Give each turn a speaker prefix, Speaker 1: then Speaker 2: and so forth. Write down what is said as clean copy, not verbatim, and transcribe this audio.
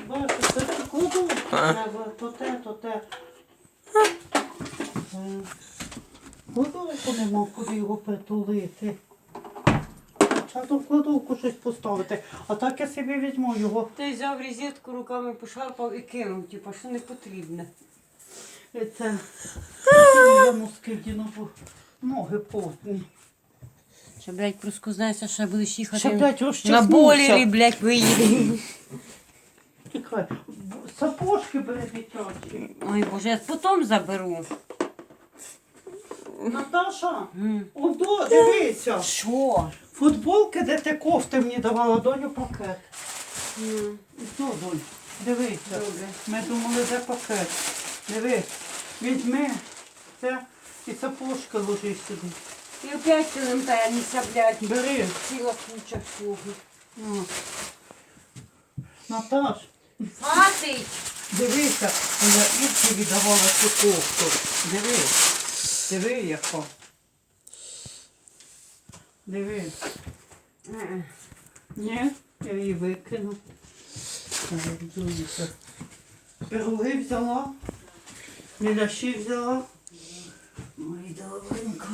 Speaker 1: Бачиш, це кладовку треба, то те. Кладовку нема, куди його притулити. Треба в кладовку щось поставити. А так я собі візьму його.
Speaker 2: Ти взяв розетку, руками пошарпав і кинув, типу, що не потрібне.
Speaker 1: Це я носки вдіну, бо ноги потні.
Speaker 2: Ще, блядь, проскузнаєшся, що будеш їхати
Speaker 1: Ще, блядь,
Speaker 2: на
Speaker 1: розчеснувся.
Speaker 2: бойлері, блядь, виїде.
Speaker 1: Чекай, сапожки бери дитячі.
Speaker 2: Ой, Боже, я потім заберу.
Speaker 1: Наташа, одо, дивися.
Speaker 2: Що?
Speaker 1: Футболки, де ти кофти мені давала, доню пакет. І то, донь, дивися.
Speaker 2: Добре.
Speaker 1: Ми думали, де пакет. Дивись, візьми це і сапожки ложи сюди.
Speaker 2: І опять ти нам тянешся, блядь.
Speaker 1: Бери.
Speaker 2: Ціла куча всього.
Speaker 1: О. Наташ,
Speaker 2: Хватить!
Speaker 1: дивися, я Ірці віддавала цю кофту. Диви яка. Диви. Ні, я її викину. Дивіться. Пироги взяла, міляші взяла. Ой, добренько.